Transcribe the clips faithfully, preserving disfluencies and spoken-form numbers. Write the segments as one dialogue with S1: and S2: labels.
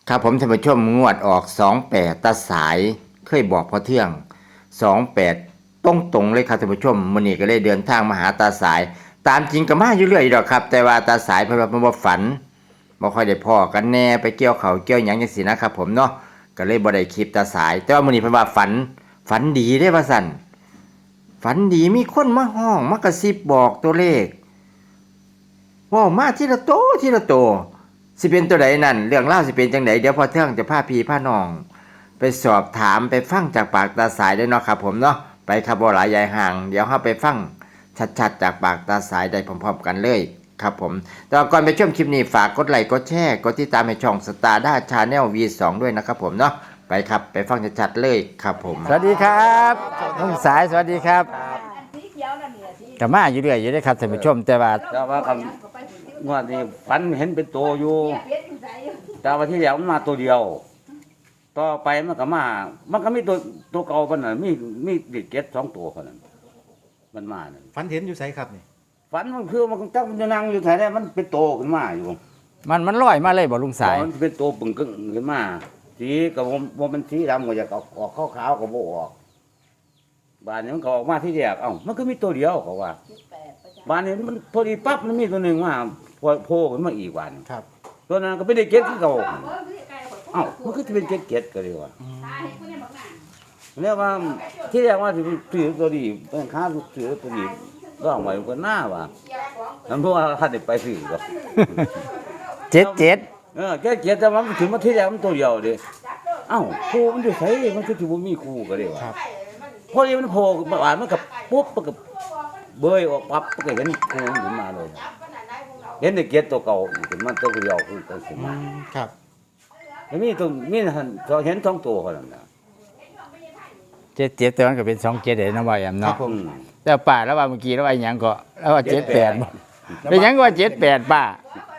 S1: ครับผมท่านผู้ชมงวดออกสองแปดตาสายเคยบอกพอเที่ยงสองแปดตรงตรงเลยครับท่านผู้ชมมื้อนี้ก็เลยเดินทางมาหาตาสาย ตามจริงก็มาอยู่เรื่อยดอกครับ แต่ว่าตาสายเพิ่นว่าเพิ่นบ่ฝันบ่ค่อยได้พ้อกันแน่ไปเกี่ยวเขาวเกี่ยวหยังจังซี่นะครับผมเนาะก็เลยบ่ได้คลิปตาสาย แต่ว่ามื้อนี้เพิ่นว่าฝันฝันดีเด้ว่าซั่นฝันดีมีคนมาห้องมากระซิบบอกตัวเลขเว้ามาทีละโตทีละโต สิเป็นตัวใดนั่นเรื่องเล่าวสิเป็นจังไดเดี๋ยวพอเที่ยงจะพาพี่พาน้อง ไปสอบถามไปฟังจากปากตาสายได้เนาะครับผมเนาะไปครับบ่หลายยายห่างเดี๋ยวเฮาไปฟังชัดๆจากปากตาสายได้พร้อมๆกันเลยครับผมแต่ก่อนไปชมคลิปนี้ฝากกดไลค์กดแชร์กดติดตามให้ช่องสตาร์ด้าชาแนล วี สอง ด้วยนะครับผมเนาะไปครับไปฟังชัดๆเลยครับผมสวัสดีครับลุงสายสวัสดีครับกะมาอยู่เรื่อยอยู่ได้ครับท่านผู้ชมแต่ว่า
S2: แต่ว่ากันงวดนี้ฝันเห็นเป็นตัวอยู่ แต่ว่าที่แล้วมันมาตัวเดียว ต่อไปมันก็มา มันก็มีตัวตัวเก่าปานนั้นมีมีเด็กเก็ดสองตัวคนนั้นมันมานั่น
S3: ฝันเห็นอยู่ไสครับนี่
S2: ฝันมันคือมันจักมันจะนั่งอยู่แถวนั้นมันเป็นโตขึ้นมาอยู่
S1: มันมันลอยมาเลยบ่ลุงสาย
S2: มันเป็นตัวปึ่งกึ่งขึ้นมาสีก็บ่บ่มันสีดำก็อยากออกออกขาวๆก็บ่ออกบ้านนี้มันก็ออกมาที่แรกเอ้ามันก็มีตัวเดียวเขาว่าบ้านนี้มันพอดีปั๊บมันมีตัวหนึงมาโผล่ขึ้นมาอีกบ้าน
S3: ครับ
S2: ตัวนั้นก็เป็นเด็กเก็ดคือเก่าเอ้ามันคือจะเป็นเก็ดเก็ดก็เลยว่าเรียกว่าที่เรียกว่าถือถือตัวดีเป็นค้าถือตัวดีร้องไว้ก็หน้าว่านั่นเพราะว่าข้าได้ไปซื้อก็
S1: เจ็ดเจ็ด
S2: เออเก็ดเก็ดแต่ว่ามันถึงมาที่แรกมันตัวเดียวเด้เอ้าครูมันอยู่ไสมันคือสิบ่มีครูก็เลยว่าพอดีมันโผล่มาอ่านมันก็ปุ๊บมันก็เบยออกปั๊บมันก็เห็นครูขึ้นมาเลยเห็นเด็กเก็ดตัวเก่าอีกขึ้นมาตัวเดียวคือตัวขึ้นมา
S3: ครับ
S2: แล้วมีตัวมีหันเห็นสองตัวคนนั้นนะ
S1: เจ็ดเจ็ดตัวนั้นก็เป็นสองเจ็ดเด้นะว่าแอม
S2: ครั
S1: เนาะ
S2: บผม
S1: แต่ป้าแล้วว่าเมื่อกี้แล้วว่าหยังก็แล้วว่าเจ็ดแปดบ่เป็นหยังก็ว่าเจ็ดแปดป้า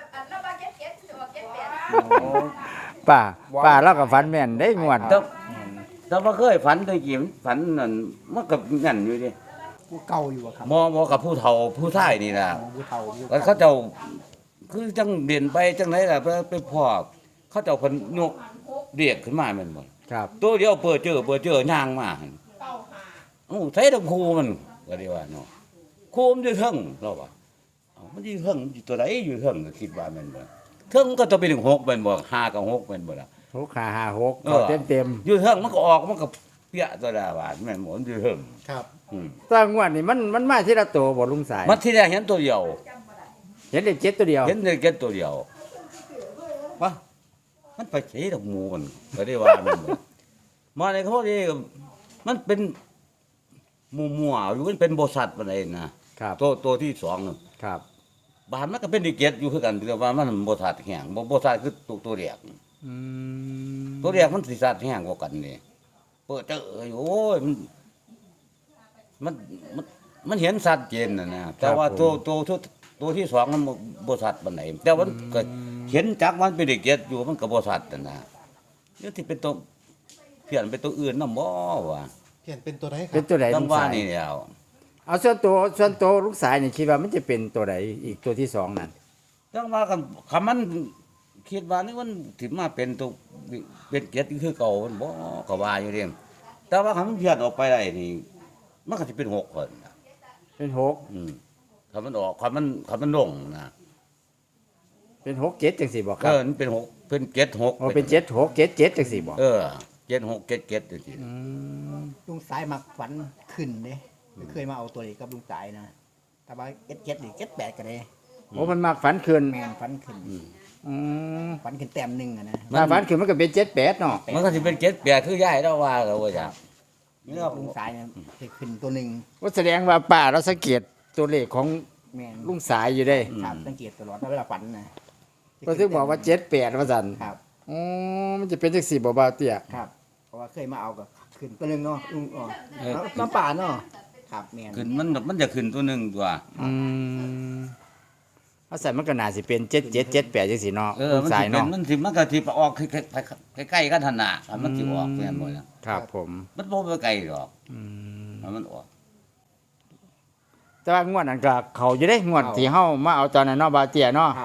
S1: ป้าป้าแล้วก็ฝันแม่นได้งวด
S2: แต่แต่ว่าเคยฝันตะกี้มันฝันนั่นมันก็นั่นอยู่ดิ
S3: ผู้เก่าอยู่อะครับ
S2: มอมอกับผู้เฒ่าผู้ชายนี่นะ
S3: ผู้เฒ่าอยู่
S2: แล้วเขาเจ้าคือจังเด่นไปจังไหนล่ะไปไปพอเขาเจ้าเพิ่นยกเรียกขึ้นมาแม่นบ่
S1: ครับ
S2: ตัวเดียวเปิดเจอเปิดเจอย่างมาหั่นโอ้ใส่ดอกคูมันก็ได้ว่าเนาะคูมันอยู่เทิงเราว่าเอ้ามันอยู่เทิงอยู่ตัวใดอยู่เทิงก็คิดว่าแม่นบ่เทิงมันก็ต้องเป็นหกแม่นบ่ห้ากับหกแม่นบ่ล่ะ
S1: หกห้าห้าหก
S2: เอ
S1: ก็
S2: อ
S1: เต็มเต็ม
S2: อยู่เทิงมันก็ออกมันก็เปียตัวดาบาดแม่นบ่มันอยู่เทิง
S3: ครับ
S2: อืม
S1: ๆตั้งงวดนี่มันมันมาที่ละตัวบ่ลุงสาย
S2: มันที่แรกเห็นตัวเดียว
S1: เห็นได้เจ็ดตัวเดียว
S2: เห็นได้แค่ตัวเดียววะมันไปใช้ดอกหมูมันก็ได้ว่ามันบ่มาในเขานี่มันเป็นหมู่มัวๆอยู่มันเป็นบริษัทปานใดนะครับ ตัวตัวที่สองน่ะ
S1: ครับ
S2: บ้านมันก็เป็นดิเกตอยู่คือกันแต่ว่ามันบริษัทแห้งบ่บริษัทคือตัวตัวแรก
S1: อืม
S2: ตัวแรกมันสิสัตว์แห้งกว่ากันนี่เปิดเจออยู่โอ้ยมันมันมันมันเห็นสัตว์เจนน่ะนะแต่ว่าตัวตัวตัวตัวที่สองมันบ่บริษัทปานใดแต่ว่ามันก็เห็นจักมันเป็นดิเกตอยู่มันก็บริษัทนั่นนะนี่ที่เป็นตัวเพี้ยนเป็นตัวอื่นนำบ่ว่า
S3: เปลี่ยนเป็นตัวไหนค
S1: เป็
S3: รั
S1: น
S3: บ
S1: ตัวไหน
S2: ต้
S1: ลุ
S2: อง
S1: ง
S2: ว่า
S1: สาย
S2: นี่แล้ว
S1: เอาส่วนตัวส่วนตัวลุงสายนี่คิดว่ามันจะเป็นตัวไหนอีกตัวที่สองนั่น
S2: ต้องว่ากันคำมันคิดว่านี่มันถึงมาเป็นตัวเป็นเกตคือเก่ามันบ่ก็ว่าอยู่เด้แต่ว่าคำมันเพี้ยนออกไปได้นี่มันก็สิเป็นหกคนนะ
S1: เป็นหก
S2: อืมคำมันออกคำมันคำมันลงนะ
S1: เป็นหกเจ็ดจังสี่บอกค
S2: เอ
S1: รับ
S2: อมันเป็นหกเป็นเกตหก
S1: โอ้เป็นเจ็ดหกเจ็ดเจ็ดจังสี่บอก
S2: เออเกตหกเกตเกตจังซี่
S4: ลุงสายมักฝันขึ้นเด้ไม่เคยมาเอาตัวนี้กับลุงสายนะแต่ว่าเก็ดเก็ดหรือเก็ดแปดกันเลย
S1: โอ้มันมากฝันคืน
S4: แมนฝันขึ้น
S1: อืม
S4: ฝันขึ้นแต้มหนึ่งอะนะ
S1: ถ้าฝันคืนมันก็เป็นเจ็ดแปดเนาะ
S2: มันก็สิเป็นเกตแปดคือยายเราว่าก็ว่าจ้ะนี่เรา
S4: ลุงสายเนี่ยจะขึ้นตัวหนึ่ง
S1: ว่าแสดงว่าป้าเราสังเกตตัวเลขของ
S4: แมน
S1: ลุงสายอยู่ได้
S4: ครับสังเกตตลอดเวลาฝันนะ
S1: ก็ถึงบอกว่าเจ็ดแปดว่าสัน
S4: ครับ
S1: อ๋อมันจะเป็นจังสี่บ่บ่าวเตี้ย
S4: ครับ เพราะว่าเคยมาเอากับขึ้นตัวหนึ่งเนาะลุงอ๋อแล้วน้ำป่าเนาะครับแมน
S2: ขึ้นมันมันจะขึ้นตัวหนึงตัว
S1: อืมเอาใส่มันก็น่าสิเป็นเจ็ดเจ็ดเจ็ดแปดจังสี่เนาะ
S2: เออ
S1: ลุง
S2: มัน
S1: สา
S2: สิ
S1: ย
S2: เป็น
S1: เนาะ
S2: มันสิมันก็สิออกใกล้ๆกันหั่นน่ะมันสิออกแม่นบ่ล่ะ
S1: ครับผม
S2: มันบ่ไปไกลหรอก
S1: อืม
S2: มันออก
S1: แต่ว่างวดนั้นก็เขาอยู่ได้งวดที่เฮามาเอาตอนนั้นเนาะบ่าวเตี้ยเนาะ
S4: ครับ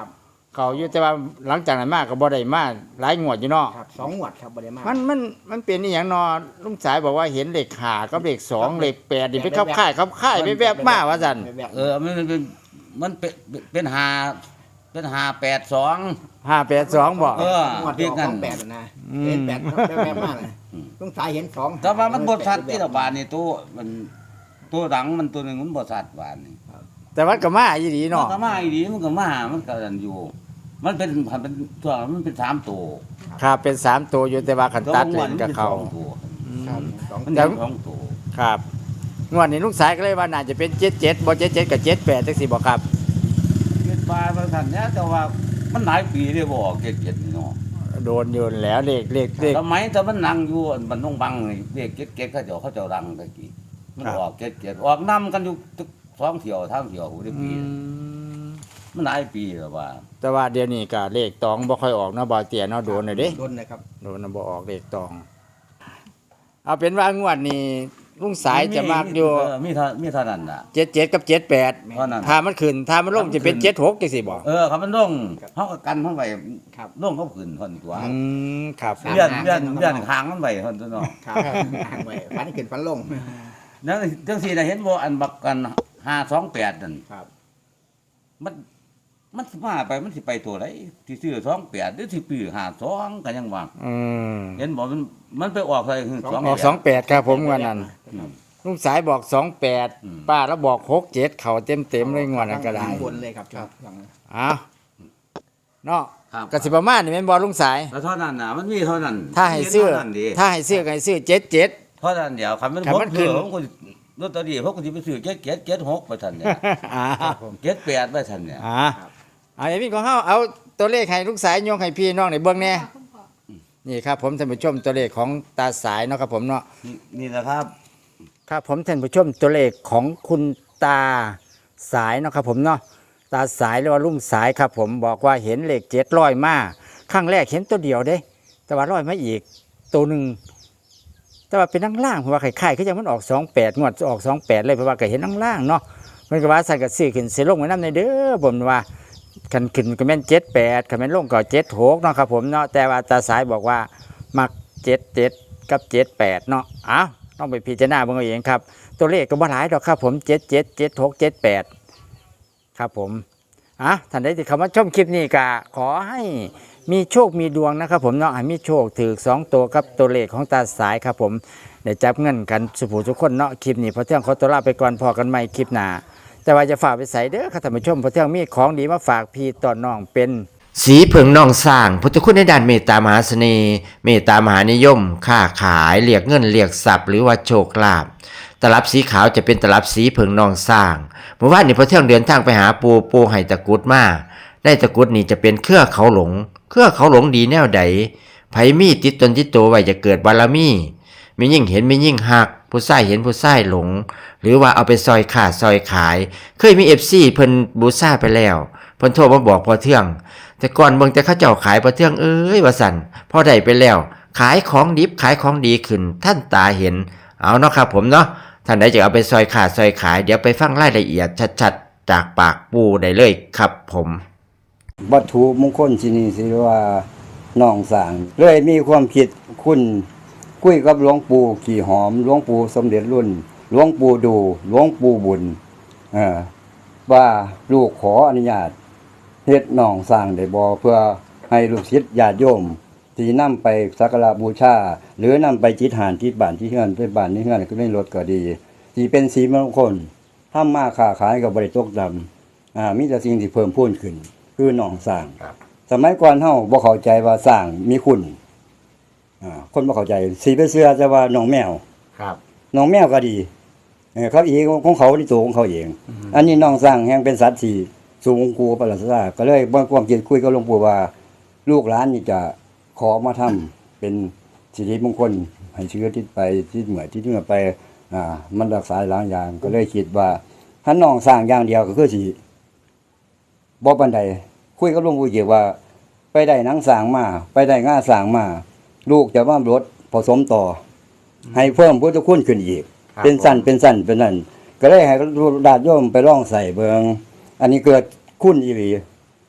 S1: เขาอยู่แต่ว่าหลังจากนั้นมาก็บ่ได้มาหลายงวดอยู่เนาะ
S4: ครับสองงวดครับบ่ได้มา
S1: มันมันมันเป็นอีหยังเนาะลุงสายบอกว่าเห็นเลขห้ากับเลขสองเลขแปดนี่เป็นเข้าค่ายเข้าค่ายไปแวบมาว่าซั่น
S4: แบบ
S2: เออมันเป็นมันเป็นเป็นหาเป็นหาแปดสอง
S1: ห้าแปดสองบ่
S2: เออ
S4: งวด
S2: เรี
S4: เดี
S2: ย
S4: ย
S2: ก
S4: ว
S2: นั่
S4: ส
S2: น
S4: องแปดนะ
S1: อืม
S4: เห็นแปดแบบๆมากเลยลุงสายเห็นสอง
S2: แต่ว่ามันบทสัตว์ที่ระบาดนี่ตัวมันตัวหลังมันตัวหนึ่งมันบทสัตว์บาดนี่
S1: แต่ว่าก็มาอีหลี
S2: มัน
S1: เนาะ
S2: ก็มาอีดีมันก็มามันก็อันอยู่ มันเป็นมันเป็นตัวมันเป็นสามตัว
S1: ครับเป็นสามตัวอยู่แต่ว่าคันตัดเล่นกับเขา
S2: ตัวมัน
S4: ครับสอง
S2: เป็นสองตัว
S1: ครับงวดนี้ลุงสายก็เลยว่าน่าจะเป็นเจ็ดเจ็ดบ่เจ็ดเจ็ดกับเจ็ดแปดจังซี่บ่ครับ
S2: เกิดมาบางท่านเนี่ยแต่ว่ามันหลายปีเลยบ่ออกเจ็ดเจ็ดนี่เนาะ
S1: โดนอยู่แล้วเลขเลขเลข
S2: สมัยแต่มันนั่งอยู่มันต้องบังนี่เด็กเก็ดเก็ดเขาเจ้าเขาเจ้ารังตะกี้มัน
S1: ครับ
S2: ออกเก็ดเก็ดออกนำกันอยู่ทุกสองเที่ยวทางเที่ยวหูได้
S1: อื
S2: ปี
S1: ม
S2: มันหลายปีแล้วว่า
S1: แต่ว่าเดี๋ยวนี้ก็เลขตองบ่ค่อยออกเนาะบ่เตียเนาะโดนเลยเด้
S4: โดนเลยครับ
S1: โดนน่ะบ่ออกเลขตอง เอาเป็นว่างวดนี้ลุงสายจะมากอยู่
S2: เมีเท่ามีเท่านั้นน่ะ
S1: เจ็ดเจ็ดกับเจ็ดแปด
S2: เท่านั้น
S1: ถ้ามันขึ้นถ้ามันลงจะเป็นเจ็ดหกจังซี่บ่
S2: เออครับมันลงเฮาก็กันเฮาไว้
S4: ครับ
S2: ลงเขาขึ้นเท่านี้ตัว
S1: อืมครับ
S2: เลื่อนเลื่อนเลื่อนค้างมันไว้เท่านั้นเนาะ
S4: ครับอ่านไว้ฟันขึ้นฟันลง
S2: นั่นจังซี่น่ะเห็นบ่อันบักกันห้าสองแปดนั่น
S4: ครับ
S2: มันมันสิมาไปมันสิไปตัวไหนที่ซื้อสองแปดหรือสิปีห้าสองก็ยังว่า
S1: อืม
S2: เห็นบอกมันมันไปออกอะไรคือสอง
S1: ออกสองแปดครับผมงวดนั้น
S2: อืม
S1: ลุงสายบอกสองแปด
S2: อืม
S1: ป้าแล้วบอกหกเจ็ดเขาเต็มเต็มๆเลยงวดนั้นก็ได้
S4: ข้างบนเลยครับครับหลัง
S1: อ้าวเนาะ
S2: ครับ
S1: กสิประมาณนี่แม่นบ่ลุงสาย
S2: แล้วเท่านั้นน่ะมันมีเท่านั้น
S1: ถ้าให้ซื้อ
S2: มีเท่านั้นดี
S1: ถ้าให้ซื้อก็ให้ซื้อเจ็ดเจ็ด
S2: เท่านั้นเดียวคันมัน
S1: คัน
S2: ผม
S1: มันขึ้
S2: คือน ผมก็ลอตเตอรี่ผมก็สิไปซื้อเจ็ดเจ็ดเจ็ดหกไปทันเนี่ย
S1: อ่า
S2: เจ็ดแปดไปทันเนี่ย
S1: อ่าเอาอย่างนี้ของเฮาเอาตัวเลขให้ลุงสายโยงให้พี่น้องได้เบิ่งแน่นี่ครับผมท่านผู้ชมตัวเลขของตาสายเนาะครับผมเนาะ
S2: นี่นี่นะครับ
S1: ครับผมท่านผู้ชมตัวเลขของคุณตาสายเนาะครับผมเนาะตาสายหรือว่าลุงสายครับผมบอกว่าเห็นเลขเจ็ดร้อยมาครั้งแรกเห็นตัวเดียวเด้ แต่ว่าร้อยมาอีกตัวหนึ่งแต่ว่าเป็นนั่งล่างเพราะว่าไข่ไข่ก็ยังมันออกสองแปดงวดออกสองแปดเลยเพราะว่าก็เห็นนั่งล่างเนาะมันก็ว่าใส่กับซื้อขึ้นเสียลงไว้น้ำในเด้อผมว่าขันขึ้นก็แม่นเจ็ดแปดขันแม่นลงก็เจ็ดหกเนาะครับผมเนาะแต่ว่าตาสายบอกว่ามักเจ็ดเจ็ดกับเจ็ดแปดเนาะอ้าวต้องไปพิจารณาเบิ่งเอาเองครับ ตัวเลขก็บ่หลายดอกครับผมเจ็ดเจ็ดเจ็ดหกเจ็ดแปดครับผมอ่ะท่านใดที่เข้ามาชมคลิปนี้ก็ขอให้มีโชคมีดวงนะครับผมเนาะให้มีโชคถือสองตัวกับตัวเลขของตาสายครับผมเดี๋ยวจับเงินกันสุภูทุกคนเนาะคลิปนี้พอเที่ยงขอตัวลาไปก่อนพอกันใหม่คลิปหน้าแต่ว่าจะฝากไปใส่เด้อค่ะท่านผู้ชมพอเที่ยงมีของดีมาฝากพี่ต่อน้องเป็น สีเผิงนองสร้างพุทธคุณในด้านเมตตามหาเสน่ห์เมตตามหานิยม ค้าขายเรียกเงินเรียกทรัพย์หรือว่าโชคลาภตลับสีขาวจะเป็นตลับสีเผิงนองสร้างเมื่อวานนี้พอเที่ยงเดินทางไปหาปูปูไห้ตะกรุดมาได้ตะกรุดนี่จะเป็นเครือเขาหลง เครือเขาหลงดีแนวใดไผมีติดตนติดตัวไว้จะเกิดบารมีมียิ่งเห็นมียิ่งหักผู้ใส่เห็นผู้ใส่หลง หรือว่าเอาไปซอยขาดซอยขาย เคยมีเอฟซีเพิ่นบูซ่าไปแล้วเพิ่นโทรมาบอกพอเที่ยง แต่ก่อนเบิ่งแต่เขาเจ้าขายประเทืองเอ้ยว่าสั่นพอได้ไปแล้ว ขายของดิบขายของดีขึ้น ท่านตาเห็นเอาเนาะครับผมเนาะท่านใดจะเอาไปซอยขาดซอยขายเดี๋ยวไปฟังรายละเอียดชัดๆจากปากปูได้เลยครับผม
S5: วัตถุมงคลที่นี่สิว่าน้องสางเลยมีความคิดคุณคุยกับหลวงปู่ขี่หอมหลวงปู่สมเด็จรุ่นหลวงปู่ดูหลวงปู่บุญเอ่อว่าลูกขออนุญาตเฮ็ดน้องสร้างได้บ่เพื่อให้ลูกศิษย์ญาติโยมที่นำไปสักการะบูชาหรือนำไปจิตหานที่บ้านที่เฮือนไปบ้านที่เฮือนก็ได้รถก็ดีที่เป็นสีมงคลทำมาค้าขายก็บ่ได้ตกดำอ่ามีแต่สิ่งที่เพิ่มพูนขึ้นคือน้องสร้างสมัยก่อนเฮาบ่เข้าใจว่าสร้างมีคุณอ่าคนบ่เข้าใจสิไปเชื่อแต่ว่าน้องแมว
S1: ครับ
S5: น้องแมวก็ดีเออเขาเองของเขาที่ตัวของเขาเอง อันนี้น้องสร้างแห่งเป็นสัตว์ที่สูงกูประหลาดซาก็เลยบ่ความคิดคุยกับหลวงปู่ว่า ลูกหลานนี่จะขอมาทำเป็นสิริมงคลให้เชื้อทิศไปทิศเหนือทิศเหนือไปอ่ามันรักษาหลายอย่าง ก็เลยคิดว่าถ้าน้องสร้างอย่างเดียวก็คือสิบ่ปานใดคุยกับหลวงปู่เกี่ยวว่า ไปได้หนังสร้างมาไปได้ง่าสร้างมาลูกจะมารถผสมต่อ ให้เพิ่มพุทธคุณขึ้นอีก
S1: ครับ
S5: เป็นสั้นเป็นสั้นเป็นนั่นก็เลยให้ดาดโยมไปล่องใส่เบิงอันนี้เกิดคุณอีหลี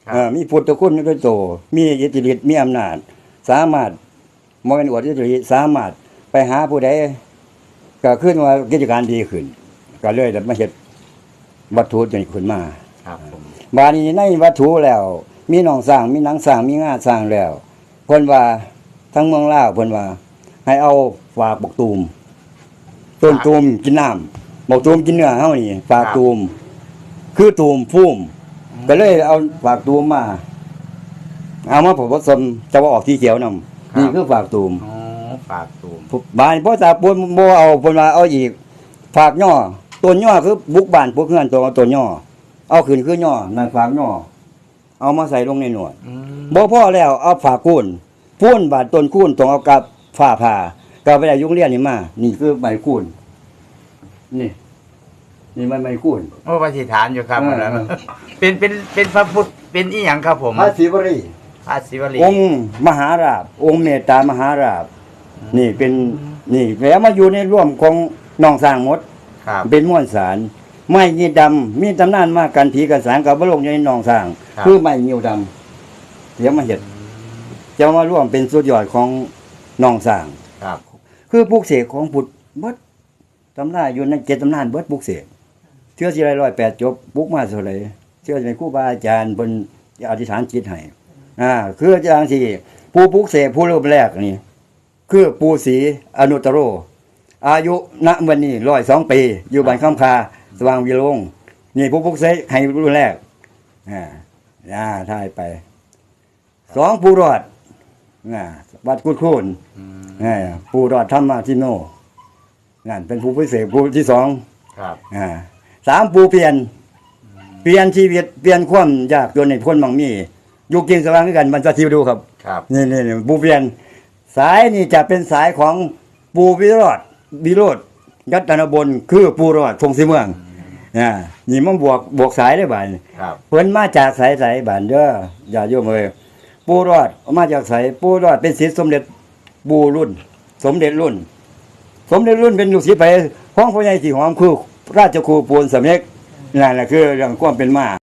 S1: ครับ
S5: เอ่อมีพุทธคุณด้วยโตมีอิทธิฤทธิ์มีอำนาจ สามารถบ่แม่นอวดอิทธิฤทธิ์สามารถไปหาผู้ใดก็ขึ้นว่ากิจการดีขึ้น ก็เลยได้มาเฮ็ดวัตถุนี้ขึ้นมา
S1: ครับผม
S5: บาดนี้ในวัตถุแล้ว มีหนองสร้างมีหนังสร้างมีงาสร้างแล้วเพิ่นว่าทั้งเมืองลาวเพิ่นว่า ให้เอาฝากบักตูมต้นตูมกินน้ำบักตูมกินเนื้อเฮานี่ฝากตูมคือตูมฟูมก็เลยเอาฝากตูมมาเอามาผสมจะว่าออกสีเขียวนำนี่คือฝากตูม
S1: อ๋อฝากตูม
S5: บ้านพ่อตาปูนบ่เอาเพิ่นว่าเอาอีกฝากย่อต้นย่อคือบุกบ้านพวกเฮือนตัวเอาต้นย่อเอาขึ้นคือย่อนั่นฝากย่อเอามาใส่ลงในหนวด
S1: อืม
S5: บ่พอแล้วเอาฝากคูนพูนบาดต้นคูนต้องเอากับฝ้าผ่าก็ไปได้ยุงเรียนนี่มานี่คือใบคูนนี่นี่มันใบคูน
S1: โอ้ปฏิฐานอยู่ครับ
S5: เออ
S1: นั่นน่ะเป็นเป็นเป็นพระพุทธเป็นอีหยังครับผม
S5: พระศิวรี
S1: พระศิวลี
S5: องค์มหาราชองค์เมตตามหาราชนี่เป็นนี่แล้วมาอยู่ในร่วมของน้องสร้างหมด
S1: ครับ
S5: เป็นม้วนสารไม้ยีดำมีตำนานมากันผีกันสารกับบลงอยู่ในหนองสร้าง
S1: ครับ
S5: คือไม้ยิวดำเดี๋ยวมาเห็ดจะมาร่วมเป็นสุดยอดของหนองสร้าง
S1: ครับ
S5: คือปลูกเสกของพุทธเบิดตำนานอยู่ในเจ็ดตำนานเบิดปลูกเสกเชื่อสิไรร้อยแปดจบปลูกมาเท่าไหร่เชื่อเป็นครูบาอาจารย์บนอธิษฐานจิตให้อ่าคืออาจารย์ที่ผู้ปลูกเสกผู้รูปแรกนี่คือปู่ศรีอนุตตโร อายุณวันนี้ร้อยสองปี อยู่บ้านคำคาสว่างวิโรงนี่ผู้พุกเสกให้รุ่นแรกอ่าอ่าถ่ายไปสองผู้รอดอ่าวัดกุดคูนอ่าผู้รอดธรรมทิโนนั่นเป็นผู้พิเศษผู้ที่สอง
S1: ครับ
S5: อ่าสามผู้เปลี่ยน เปลี่ยนชีวิตเปลี่ยนความยากจนในพ้นบางมีอยู่กินสว่างด้วยกันมันจะทิวดูครับ
S1: ครับ
S5: นี่นี่นี่ปูเปลี่ยนสายนี่จะเป็นสายของปูวิโรธวิโรธยัตนบลคือปูรอดทงสีเมืองอ่านี่มันบวกบวกสายได้บ่าย
S1: ครับ
S5: เพิ่นมาจากสายสายบ้านเด้ออย่าโยมเอ้ยปูรอดมาจากสายปูรอดเป็นศิษย์สมเด็จปูรุ่น สมเด็จรุ่น สมเด็จรุ่นเป็นลูกศิษย์ไปของพ่อใหญ่สีหอมคือราชครูปูนสำเร็จนั่นแหละคือเรื่องความเป็นมา